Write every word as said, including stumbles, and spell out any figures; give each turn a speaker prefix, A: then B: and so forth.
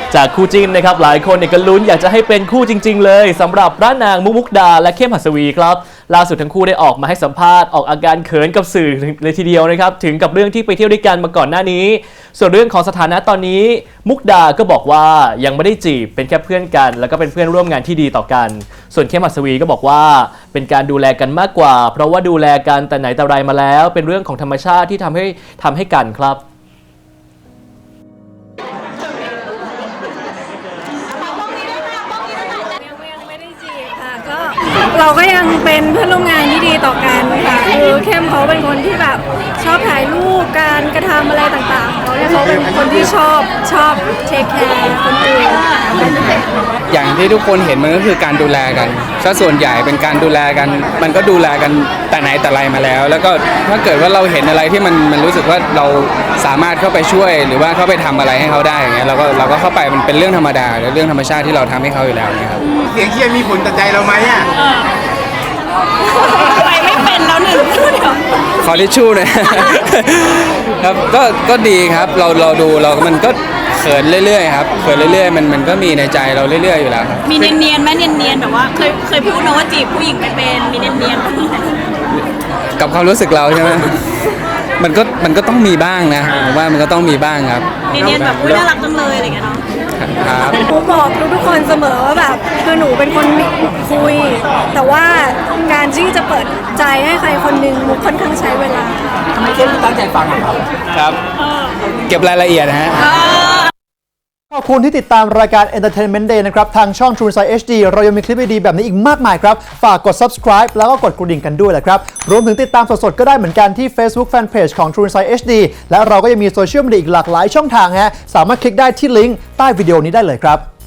A: จากคู่จิ้นนะครับหลายคนเนี่ยก็ลุ้นอยากจะให้เป็นคู่จริงๆเลยสำหรับพระนางมุกมุกดาและเข้มหัสวีครับล่าสุดทั้งคู่ได้ออกมาให้สัมภาษณ์ออกอาการเขินกับสื่อเลยทีเดียวนะครับถึงกับเรื่องที่ไปเที่ยวด้วยกันมาก่อนหน้านี้ส่วนเรื่องของสถานะตอนนี้มุกดาก็บอกว่ายังไม่ได้จีบเป็นแค่เพื่อนกันแล้วก็เป็นเพื่อนร่วมงานที่ดีต่อกันส่วนเข้มหัสวีก็บอกว่าเป็นการดูแลกันมากกว่าเพราะว่าดูแลกันแต่ไหนแต่ไรมาแล้วเป็นเรื่องของธรรมชาติที่ทำให้ทำให้กันครับ
B: เราก็ยังเป็นเพื่อนร่วมงานที่ดีต่อกันค่ะคือเข้มเขาเป็นคนที่แบบชอบถ่ายรูปการกระทำอะไรต่างๆเขาเนี่ยเขาเป็นคนที่ชอบชอบเทคแคร์คนอื่น
C: อย่างที่ทุกคนเห็นมันก็คือการดูแลกันซะส่วนใหญ่เป็นการดูแลกันมันก็ดูแลกันแต่ไหนแต่ไรมาแล้วแล้วก็ถ้าเกิดว่าเราเห็นอะไรที่มันมันรู้สึกว่าเราสามารถเข้าไปช่วยหรือว่าเข้าไปทำอะไรให้เขาได้อย่างเงี้ยเราก็เราก็เข้าไปมันเป็นเรื่องธรรมดาเรื่องธรรมชาติที่เราทำให้เขาอยู่แล้วเนี่ยครับ
D: เสียงเชียร์มีผลต่อใจเราไหมอ่ะ
B: ไปไม่เป็นแล้วหนึ่ง
C: ขอทิชชู่หน่อยครับก็ก็ดีครับเราเราดูเรามันก็เขินเรื่อยๆครับเขินเรื่อยๆมันมันก็มีในใจเราเรื่อยๆอยู่แล้วครับ
B: มีเนียนๆไหมเนียนๆแบบว่าเคยเคยพูดนะว่าจีบผู้หญิงไม่เป็นมีเนียน
C: ๆกับความรู้สึกเราใช่ไหมมันก็มันก็ต้องมีบ้างนะผมว่ามันก็ต้องมีบ้างครับ
B: เนียนๆแบบอุ้ยน่ารักจังเลยอะไรอย่างเงี้ยเนาะ
C: ครับ
B: หนูบอกทุกๆคนเสมอว่าแบบคือหนูเป็นคนคุยแต่ว่าการที่จะเปิดใจให้ใครคนหนึ่งมุกค่อนข้างใช้เวลา
D: ทำไมเข้มตั้งใจฟังครับ
C: ครับเก็บรายละเอียดนะฮะ
E: ขอบคุณที่ติดตามรายการ Entertainment Day นะครับทางช่อง True Insight เอช ดี เรายังมีคลิปดีๆแบบนี้อีกมากมายครับฝากกด subscribe แล้วก็กดกระดิ่งกันด้วยแหละครับรวมถึงติดตามสดๆก็ได้เหมือนกันที่ Facebook Fanpage ของ True Insight เอช ดี และเราก็ยังมีโซเชียลมีเดียอีกหลากหลายช่องทางฮะสามารถคลิกได้ที่ลิงก์ใต้วิดีโอนี้ได้เลยครับ